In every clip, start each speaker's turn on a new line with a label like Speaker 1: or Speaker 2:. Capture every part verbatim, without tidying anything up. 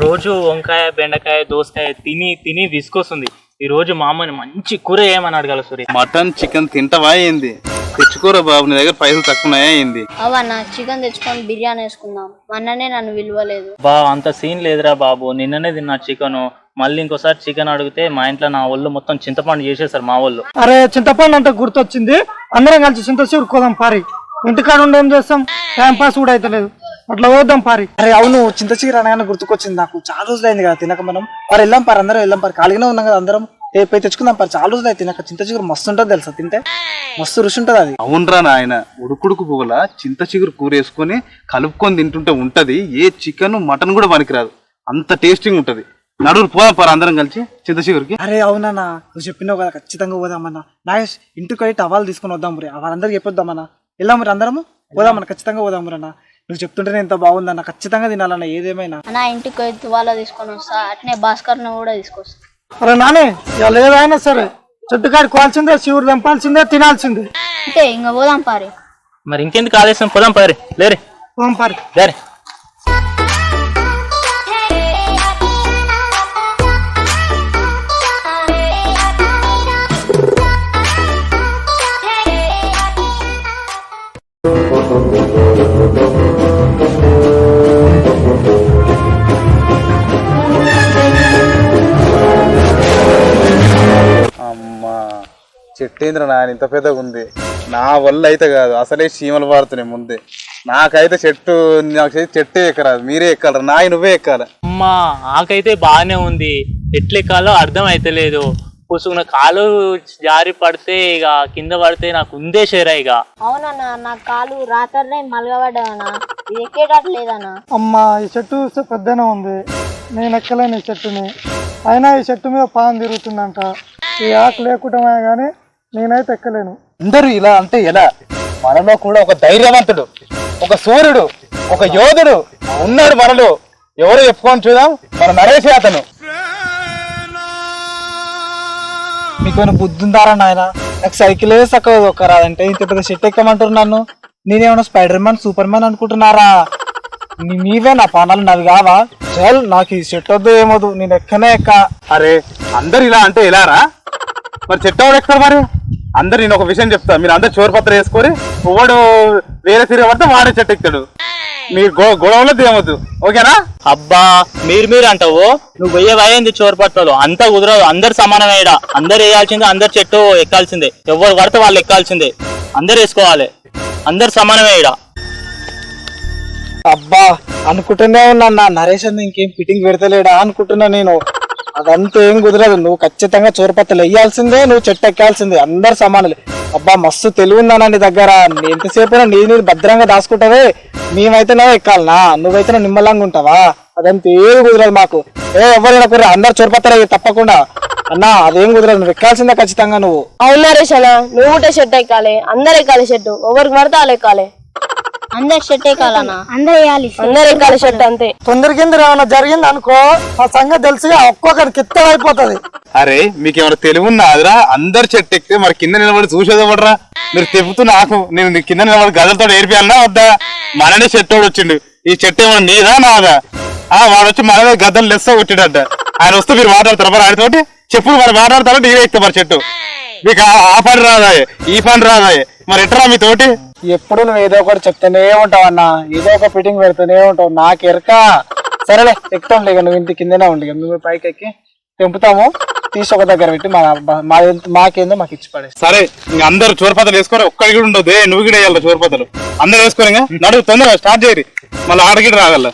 Speaker 1: రోజు వంకాయ బెండకాయ దోసకాయ తిని తిని విసుకొస్తుంది. ఈ రోజు మా అమ్మని మంచి కూర ఏమని అడగాల సూర్య.
Speaker 2: మటన్ చికెన్ తింటావా ఏంది? తెచ్చుకోరా బాబు, నీ దగ్గర పైసలు తక్కువనాయా ఏంది?
Speaker 3: అవన్నా చికెన్ తెచ్చుకొని బిర్యానీ వేసుకుందాం. మొన్ననే నన్ను విలువలేదు.
Speaker 1: బా అంత సీన్ లేదురా బాబు, నిన్ననే తిన్నా చికెన్. మళ్ళీ ఇంకోసారి చికెన్ అడిగితే మా ఇంట్లో నా ఒళ్ళు మొత్తం చింతపండు చేసేసారు మా వాళ్ళు.
Speaker 4: అరే చింతపండు అంటే గుర్తొచ్చింది, అందరం కలిసి చింతచూరు కోదాం పారి. ఇంటికాడ ఉండి ఏం చేస్తాం, టైం పాస్ కూడా అయితే లేదు, అట్లా పోద్దాం పారి.
Speaker 5: అరే అవును, చింతచీర అనగానే గుర్తుకొచ్చింది నాకు. చాలా రోజులు అయింది కదా తినక. మనం మరి వెళ్ళాం పారి, అందరం వెళ్ళాం పారి. ఖాళీగానే ఉన్నాం కదా అందరం, పోయి తెచ్చుకుందాం పారి. చాలా రోజులు అయితే తినక. చింతచిగురు మస్తు ఉంటుంది తెలుసా, తింటే మస్తు రుచి ఉంటుంది అది.
Speaker 2: అవునరా నాయన, ఉడుకుడుకు పువ్వుల చింత చిగురు కూర వేసుకొని కలుపుకొని తింటుంటే ఉంటది. ఏ చికెన్ మటన్ కూడా పనికిరాదు, అంత టేస్టింగ్ ఉంటది. నడువులు పోదాం పారు అందరం కలిసి చింత చిగురికి.
Speaker 5: అరే అవునన్నా, నువ్వు చెప్పినావు కదా, ఖచ్చితంగా పోదామన్నా. నాగేష్ ఇంటికి వెళ్ళి టవాలు తీసుకొని వద్దాం మరి, వాళ్ళందరికి చెప్పొద్దామన్నా. వెళ్ళాం మరి అందరము, పోదామన్నా, ఖచ్చితంగా పోదాం మరి అన్న. నువ్వు చెప్తుంటేనే ఎంత బాగుందన్న, ఖచ్చితంగా తినాలన్న ఏదేమైనా.
Speaker 3: నా ఇంటికి పోయి తువాలా తీసుకొని వస్తా, అట్నే భాస్కర్ ను కూడా తీసుకొస్తా.
Speaker 4: అరే నానే, ఇవాళ ఏదైనా సరే చెట్టుకాడికి కోవాల్సిందే, శివుడు దంపాల్సిందే, తినాల్సిందే.
Speaker 3: అంతే, ఇంకా పోదాం పారి.
Speaker 1: మరి ఇంకెందుకు ఆలస్యం, పోదాం పారి. లేరే
Speaker 4: పోదాం పారి.
Speaker 1: లేరే
Speaker 2: అమ్మా చెట్టేంద్ర నాయన ఇంత పెద్దగా ఉంది. నా వల్ల అయితే కాదు, అసలే చీమలు పారుతున్నాయి ముందే. నాకైతే చెట్టు నాకు చెట్టే ఎక్కరాదు, మీరే ఎక్కాలరా నాయ, నువ్వే ఎక్కాల.
Speaker 1: అమ్మా ఆకైతే బాగానే ఉంది, ఎట్లెక్కాలో అర్థం అయితే లేదు. పుసుకున్న కాలు జారి పడితే ఇక కింద పడితే నాకు ఉందే షేరా. ఇక
Speaker 3: అవునన్నా, నా కాలు రాత్రి మలగబడ్డానా, ఇది ఎక్కేటట్లేదన్నా.
Speaker 4: అమ్మా ఈ చెట్టు చూస్తే పెద్దనే ఉంది, నేను ఎక్కలేను ఈ చెట్టుని. అయినా ఈ చెట్టు మీద పాము తిరుగుతుందంట, ఈ ఆకు లేకుండామే గానీ నేనైతే ఎక్కలేను.
Speaker 2: అందరూ ఇలా అంటే ఎలా? మనలో కూడా ఒక ధైర్యవంతుడు, ఒక సూర్యుడు, ఒక యోధుడు ఉన్నాడు మనలో. ఎవరు చెప్పుకొని చూద్దాం, మన నరేష్ అతను.
Speaker 5: మీకు బుద్ధి ఉందారా నాయన? నాకు సైకిల్ చక్కగా ఒక్కరాదంటే ఇంత పెద్ద చెట్టు ఎక్కమంటారు నన్ను. నేనేమన్నా స్పైడర్ మ్యాన్ సూపర్ మ్యాన్ అనుకుంటున్నారా? నీవే నా పానాలు నావి కావా? చల్, నాకు ఈ చెట్టు వద్దు ఏమొద్దు, నేను ఎక్కనే ఎక్క.
Speaker 2: అరే అందరు ఇలా అంటే ఎలారా? మరి చెట్టు ఎవడు ఎక్కుతారు మరి? అందరు నేను ఒక విషయం చెప్తా, మీరు అందరు చోరపత్ర వేసుకొని ఒకడు వేరే తిరగబడితే వాడే చెట్టు ఎక్కుతాడు. మీరు గొ గొడవలో తేవద్దు, ఓకేనా?
Speaker 1: అబ్బా మీరు మీరు అంటావు, నువ్వు వెయ్యి అయ్యింది చోరపత్రాలు అంతా కుదరదు. అందరు సమానమేడా, అందరు వేయాల్సిందే, అందరు చెట్టు ఎక్కాల్సిందే. ఎవరు పడితే వాళ్ళు ఎక్కాల్సిందే, అందరు వేసుకోవాలి, అందరు సమానమేడా.
Speaker 5: అబ్బా అనుకుంటూనే ఉన్నా, నరేష్ అన్న ఇంకేం ఫిట్టింగ్ పెడతలేడా అనుకుంటున్నా నేను. అదంతా ఏం కుదరదు, నువ్వు ఖచ్చితంగా చోరపత్రలు వేయాల్సిందే, నువ్వు చెట్టు ఎక్కాల్సిందే, అందరు సమానులే. అబ్బా మస్తు తెలివి ఉందా నీ దగ్గర, ఎంతసేపు నీ నీరు భద్రంగా దాచుకుంటావే. మేమైతేనే ఎక్కాలనా, నువ్వైతే నిమ్మలంగా ఉంటావా? అదంతా ఏం కుదరదు మాకు. ఏ ఎవరైనా కుదరదు, అందరు చోరపత్ర తప్పకుండా అన్నా, అదేం కుదరదు, నువ్వు ఎక్కాల్సిందే ఖచ్చితంగా నువ్వు.
Speaker 6: అవును నరేష్ అన్న, నువ్వు కూడా షెట్ ఎక్కాలి, అందరు ఎక్కాలి షెట్టు, ఎవరికి పడితే వాళ్ళు ఎక్కాలి.
Speaker 3: అందరు షెట్ ఎక్కాలన్నా, అందరు వేయాలి,
Speaker 6: అందరు ఎక్కాలి షెట్ అంతే.
Speaker 4: తొందరకింద ఏమైనా జరిగింది అనుకో, ఆ సంగతి తెలిసి ఒక్కొక్కరికి కిత్త అయిపోతుంది.
Speaker 2: అరే మీకు ఏమైనా తెలివి ఉన్నాదిరా? అందరు చెట్టు ఎక్కితే మరి కింద నిలబడి చూసేదవడరా? మీరు తెప్పుతూ నాకు నేను కింద నిలబడి గదలతో ఏర్పియాలన్నా వద్దా? మననే చెట్టు వచ్చిండు, ఈ చెట్టు ఏమన్నా నీదా నాదా? ఆ వాడు వచ్చి మననే గద్దలు లెస్స కొట్టిడట. ఆయన వస్తే మీరు మాట్లాడతారు మరి ఆయనతోటి? చెప్పుడు మరి మాట్లాడతారో నీవే ఎక్కుతా మరి చెట్టు. మీకు ఆ పని రాదాయే, ఈ పని రాదాయే, మరి ఎట్టరా మీ తోటి?
Speaker 5: ఎప్పుడు నువ్వు ఏదో ఒకటి చెప్తూనే ఉంటావు అన్న, ఏదో ఒక ఫిట్టింగ్ పెడుతూనే ఉంటావు, నాకు ఎరక. సరేలే ఎక్కుతాం లేక, నువ్వు ఇంటి కిందనే ఉండి నువ్వు పైకి ఎక్కి తెంపుతాము, తీసి ఒక దగ్గర పెట్టి మా మాకేందో మాకు ఇచ్చి పడే.
Speaker 2: సరే ఇంక అందరు చోరపతలు వేసుకోరు, ఒక్కడి కూడా ఉండదు, నువ్వు కూడా వేయాలి చోరపతలు. అందరు వేసుకోరు, ఇంకా నడువు తొందరగా స్టార్ట్ చేయరు, మళ్ళీ ఆడగిడ రాగల.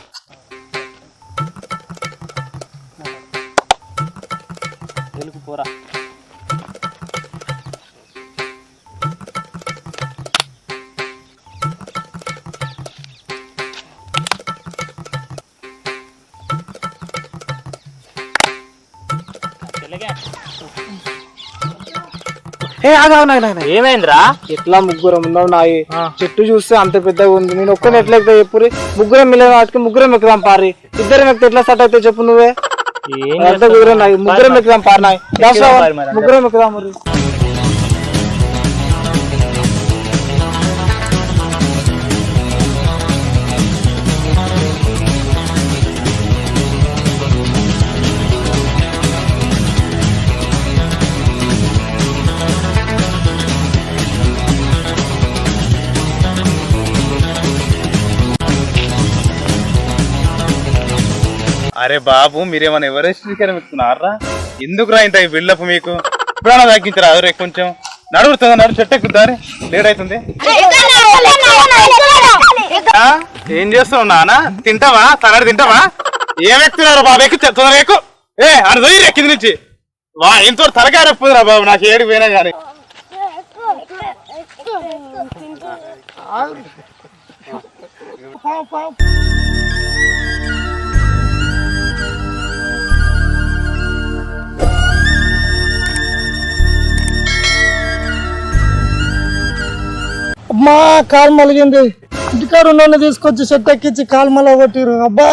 Speaker 1: పోరా
Speaker 5: ఏ ఆగావు నాయన,
Speaker 1: ఏమైందిరా?
Speaker 5: ఎట్లా ముగ్గురం ఉన్నావు నాయి, చెట్టు చూస్తే అంత పెద్దగా ఉంది, నేను ఒక్కని ఎట్లా ఎక్కుతా చెప్పురి? ముగ్గురం మిగిలిన వాటికి ముగ్గురం ఎక్కుదాం పారి. ఇద్దరం ఎక్కితే ఎట్లా సెట్ అయితే చెప్పు నువ్వే. అంత కుదిరే నాయి, ముగ్గురం ఎక్కుదాం పారి నాయి, ముగ్గురం ఎక్కుదాం మరి.
Speaker 2: అరే బాబు మీరేమైనా ఎవరెస్ట్ ఎక్కుతున్నారా? ఎందుకురా ఇంత బిల్డప్ మీకు? ఇప్పుడైనా తగ్గించరా అదే కొంచెం నడువుతుందా? నడు చెట్టు ఎక్కుతారు లేట్ అవుతుంది. ఆ? ఏం చేస్తున్నావు నాన్న? తింటావా? తగడు తింటావా? ఏం ఎక్కుతున్నారు బాబు? ఎక్కు తొందరగా ఎక్కు. ఏ అని పోయి కింది నుంచి వా ఎంతో తలకాయ రప్పుదురా బాబు నాకు ఏడు పోయినా కానీ.
Speaker 4: అమ్మా కాలు మలిగింది. ఇంటికాడ ఉన్న తీసుకొచ్చి చెట్టు ఎక్కించి కాలు మల కొట్టిరు. అబ్బా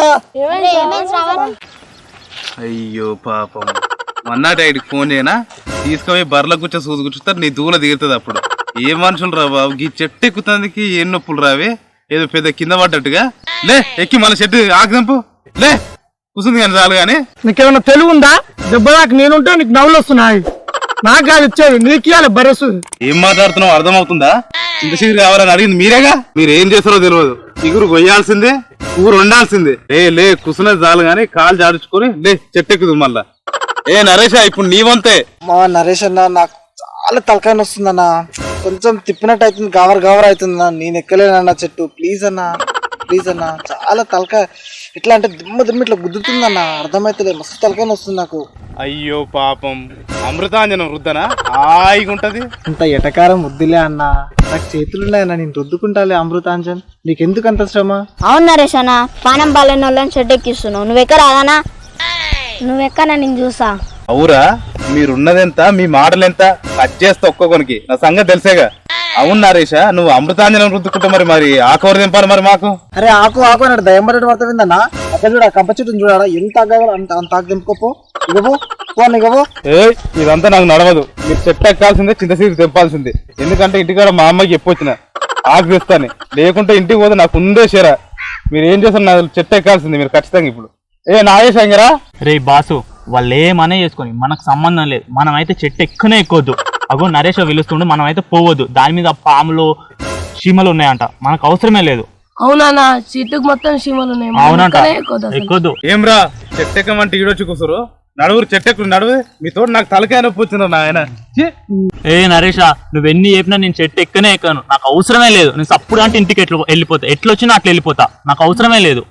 Speaker 2: అయ్యో పాపం వన్ ఐడికి ఫోన్ చేయనా? తీసుకుపోయి బర్ల కూర్చో సూది కూర్చుతారు నీ దూల దిగుతుంది. అప్పుడు ఏ మనుషులు రా బాబు ఈ చెట్టు ఎక్కుతానికి ఏం నొప్పులు రావే? ఏదో పెద్ద కింద పడ్డట్టుగా. లే ఎక్కి మన చెట్టు ఆకుదంపు లే కూర్చుంది కానీ చాలు కానీ.
Speaker 4: నీకేమైనా తెలివి ఉందా? దెబ్బ దాకా నేనుంటే నీకు నవ్వులు వస్తున్నాయి. నాకు కాదు ఇచ్చేది, నీకు ఇవ్వాలి బరసు.
Speaker 2: ఏం మాట్లాడుతున్నావు అర్థం అవుతుందా? ఇంత చిగురు కావాలని అడిగింది మీరేగా. మీరు ఏం చేస్తారో తెలియదు. చిగురు కొయ్యాల్సిందే, ఊరు వండాల్సిందే. ఏ లే కుసునది చాలు గాని కాలు జాడుచుకొని లే చెట్టు ఎక్కుదు మళ్ళా. ఏ నరేష్ ఇప్పుడు నీవంతే.
Speaker 5: మా నరేష్ అన్న నాకు చాలా తలకాయ వస్తుందన్న. కొంచెం తిప్పినట్టు అవుతుంది, గవర్ గవర్ అవుతుందన్నా. నేను ఎక్కలేనన్న చెట్టు. ప్లీజ్ అన్న ప్లీజ్ అన్న. చాలా తలకాయ ఇట్లా అంటే దిమ్మ దిమ్మ ఇట్లా గుద్దుతుందన్న. అర్థమైతలే, మస్తు తలకాయ వస్తుంది నాకు.
Speaker 2: అయ్యో పాపం అమృతాంజనం రుద్దనా హాయిగా ఉంటది.
Speaker 5: ఇంత ఎటకారం వద్దులే అన్న. నాకు చేతులున్నాయన్న, నేను రుద్దుకుంటాలే అమృతాంజన్. నీకెందుకు అంత శ్రమ?
Speaker 3: అవును నరేష్ అన్న, పానం బాలేని వాళ్ళని చెట్టు ఎక్కిస్తున్నావు. నువ్వెక్క రాదానా? నువ్వెక్కనా నేను చూసా.
Speaker 2: అవురా మీరున్నదెంత, మీ మాటలెంత? కట్ చేస్తా ఒక్కొక్కనికి. నా సంగతి తెలిసేగా. అవును నరేష నువ్వు అమృతాంజనం రుద్దుకుంటా మరి మరి ఆకూర దింపాలి మరి మాకు.
Speaker 5: అరే ఆకు ఆకు అన్నాడు దయ్యంబడి పడుతుందన్నా. అక్కడ చూడ కంప చెట్టుని చూడాలా ఎంత ఆగాలి అంత అంత ఆకు దింపుకోపో. ఇగవో పోను ఇగవో.
Speaker 2: ఏ ఇదంతా నాకు నడవదు. మీరు చెట్టు ఎక్కాల్సిందే, చింతసీరు తెంపాల్సిందే. ఎందుకంటే ఇంటికాడ మా అమ్మకి చెప్పొచ్చిన ఆకు తెస్తాను. లేకుంటే ఇంటికి పోతే నాకు ఉందే షేరా. మీరు ఏం చేస్తారు నాకు చెట్టు ఎక్కాల్సిందే మీరు ఖచ్చితంగా. ఇప్పుడు ఏ నాగేశంగరా
Speaker 1: రే బాసు వాళ్ళు ఏమనే చేసుకొని మనకు సంబంధం లేదు. మనం అయితే చెట్టు ఎక్కువనే ఎక్కొద్దు. అగో నరేష్ పిలుస్తుండే మనం అయితే పోవద్దు. దాని మీద పాములు చీమలు ఉన్నాయంట, మనకు అవసరమే లేదు.
Speaker 6: అవునా చెట్టుకు మొత్తం చీమలు ఉన్నాయి.
Speaker 1: అవునంట ఎక్కొద్దు.
Speaker 2: ఏం రా చెట్టు ఎక్కమంటే ఈడొచ్చి కూసురు. నడువురు చెట్టు ఎక్కువ నడువు. మీతో నాకు తలకాయ నొప్పి వచ్చింది నాయన.
Speaker 1: ఏ నరేష నువ్వెన్ని చెప్పినా నేను చెట్టు ఎక్కనే ఎక్కాను. నాకు అవసరమే లేదు. నేను సప్పుడు అంటే ఇంటికి ఎట్లా వెళ్ళిపోతా, ఎట్లా వచ్చినా అట్లా వెళ్ళిపోతా. నాకు అవసరమే లేదు.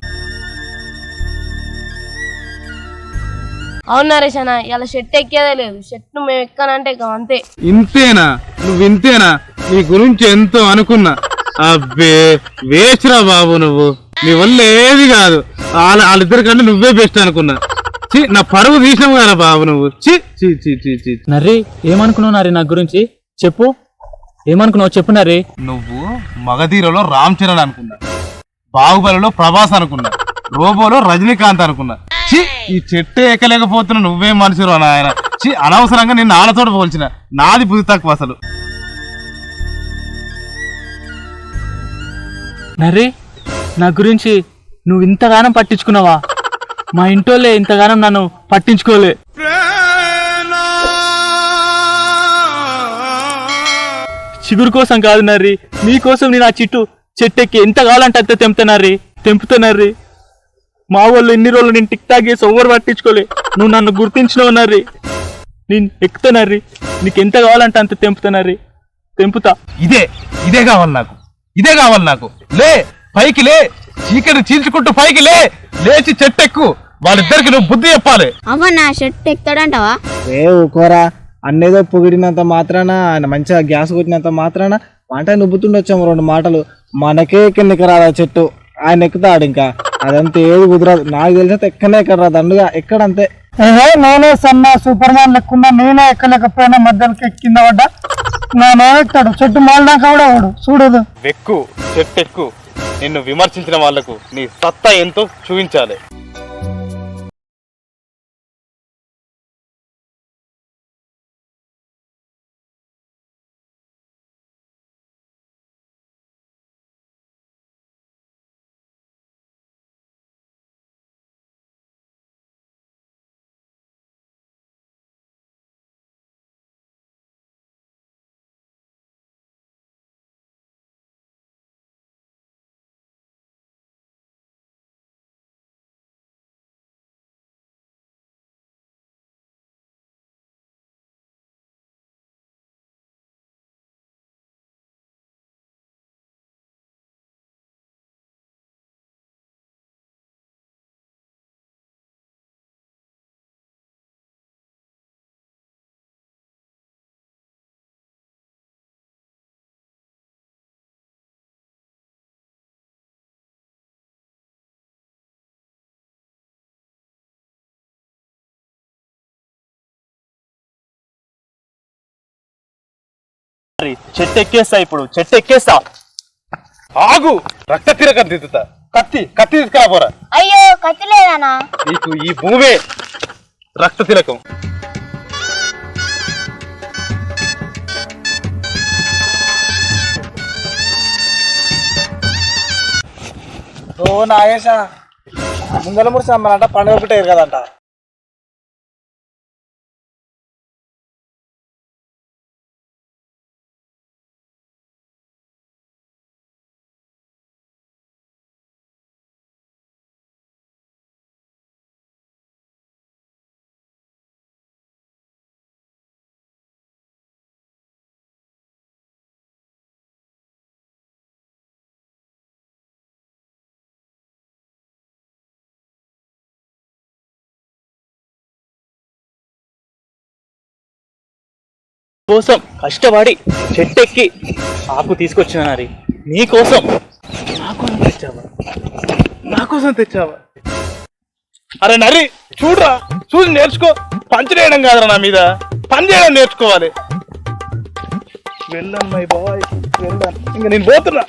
Speaker 6: అవును నరేష్ అన్న, ఇలా చెట్టు ఎక్కేదే లేదు. చెట్టు మేము ఎక్కానంటే ఎక్కం అంతే.
Speaker 2: ఇంతేనా? నువ్వు ఇంతేనా? నీ గురించి ఎంతో అనుకున్నా. అబ్బే వేస్ట్రా బాబు నువ్వు. నీ వల్ల ఏది కాదు. వాళ్ళ వాళ్ళిద్దరి కంటే నువ్వే బెస్ట్ అనుకున్నా. చి నా పరువు తీసినావు కదా బాబు నువ్వు. చి చి చి చి చి
Speaker 1: నర్రి ఏమనుకున్నావు నర్రి నా గురించి? చెప్పు ఏమనుకున్నావు చెప్పు నర్రి.
Speaker 2: నువ్వు మగధీరలో రామ్ చరణ్ అనుకున్నా, బాహుబలిలో ప్రభాస్ అనుకున్నా, రోబోలో రజనీకాంత్ అనుకున్నా. చి ఈ చెట్టు ఎక్కలేకపోతున్నా నువ్వేం మనిషిరో నాయన. చి అనవసరంగా నేను నాన్నతోట పోల్చిన. నాది బుద్ధి తక్కువ అసలు.
Speaker 1: నర్రి నా గురించి నువ్వు ఇంతగానం పట్టించుకున్నావా? మా ఇంటోళ్ళే ఇంతగానం నన్ను పట్టించుకోలే. చిగురు కోసం కాదు నర్రి, మీకోసం నేను ఆ చిట్టు చెట్టెక్కి ఎంత కావాలంటే అంత తెంపుతానర్రి తెంపుతానర్రి. మా వాళ్ళు ఎన్ని రోజులు నేను టిక్ టాక్ చేసి ఎవరు పట్టించుకోలే. నువ్వు నన్ను గుర్తించినావు నర్రి. నేను ఎక్కుతానర్రి, నీకు ఎంత కావాలంటే అంత తెంపుతానర్రి, తెంపుతా.
Speaker 2: ఇదే ఇదే కావాలి నాకు, ఇదే కావాలి నాకు. లే పైకి లే, చీకటి చీల్చుకుంటూ పైకి లే. లేచి చెట్టు ఎక్కు. వాళ్ళిద్దరికి నువ్వు బుద్ధి చెప్పాలి.
Speaker 3: అవ్వ నా చెట్టు ఎక్కుతాడంటావా?
Speaker 5: ఏ ఊకోరా, అన్నేదో పొగిడినంత మాత్రాన, ఆయన మంచిగా గ్యాస్ కొట్టినంత మాత్రాన మాట నువ్వుతుండొచ్చాము రెండు మాటలు. మనకే కిందకి రాదా చెట్టు, ఆయన ఎక్కుతాడు. ఇంకా అదంతా ఏది కుదరదు. నాకు తెలిసినంత ఎక్కనే ఎక్కడ రాదు దండుగా ఎక్కడంతే.
Speaker 4: ఏహే నేనే సన్న సూపర్ మ్యాన్ లెక్కున్నా, నేనే ఎక్కలేకపోయినా మధ్యలోకి కింద పడ్డా. నేను ఎక్కుతాడు చెట్టు మాలినాక కూడా వాడు చూడదు.
Speaker 2: వెక్కు చెట్టు ఎక్కు. నిన్ను విమర్శించిన వాళ్లకు నీ సత్తా ఎంతో చూపించాలి.
Speaker 1: మరి చెట్టు ఎక్కేస్తా ఇప్పుడు చెట్టు ఎక్కేస్తా
Speaker 2: ఆగు రక్త తిరగ దిద్దుతా కత్తి కత్తి తీసుకురా పోరా
Speaker 3: అయ్యో కత్తి లేదనా
Speaker 2: నీకు ఈ భూమే రక్త తిలకం
Speaker 5: ఓ నాగేశ ముందల మురిసి అమ్మాలంట పండుగ పెట్టారు కదంట.
Speaker 1: కోసం కష్టపడి చెట్టెక్కి ఆకు తీసుకొచ్చిన నరి నీ కోసం నా కోసం తెచ్చావా నా కోసం తెచ్చావా
Speaker 2: అరే నరి చూడరా చూసి నేర్చుకో పంచి చేయడం కాదురా నా మీద పని చేయడం నేర్చుకోవాలి. వెళ్ళాను మై బాయ్ వెళ్ళాను ఇంకా నేను పోతున్నా.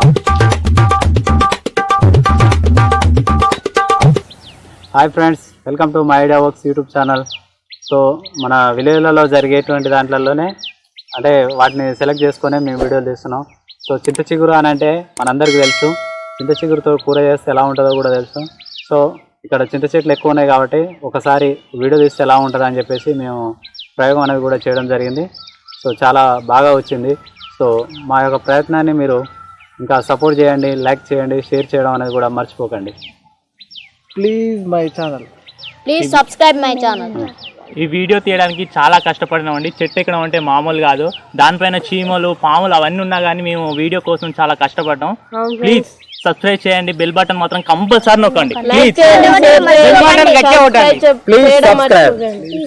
Speaker 7: Hi friends, welcome to my idea works YouTube channel. So మన విలేజ్లలో జరిగేటువంటి దాంట్లలోనే అంటే వాటిని సెలెక్ట్ చేసుకొని మేము వీడియోలు తీస్తున్నాం. సో చింత చిగురు అని అంటే మనందరికీ తెలుసు, చింత చిగురుతో కూర చేస్తే ఎలా ఉంటుందో కూడా తెలుసు. సో ఇక్కడ చింత చెట్లు ఎక్కువ ఉన్నాయి కాబట్టి ఒకసారి వీడియో తీస్తే ఎలా ఉంటుందో అని చెప్పేసి మేము ప్రయోగం అనేది కూడా చేయడం జరిగింది. సో చాలా బాగా వచ్చింది. సో మా యొక్క ప్రయత్నాన్ని మీరు ఇంకా సపోర్ట్ చేయండి, లైక్ చేయండి, షేర్ చేయడం అనేది కూడా మర్చిపోకండి.
Speaker 5: Please my channel
Speaker 3: please subscribe my channel.
Speaker 1: ఈ వీడియో తీయడానికి చాలా కష్టపడినామండి. చెట్టు ఎక్కడం అంటే మామూలు కాదు, దానిపైన చీమలు పాములు అవన్నీ ఉన్నా కానీ మేము వీడియో కోసం చాలా కష్టపడ్డాం. ప్లీజ్ సబ్స్క్రైబ్ చేయండి, బెల్ బటన్ మాత్రం కంపల్సరీ నొక్కండి ప్లీజ్.
Speaker 5: Please subscribe.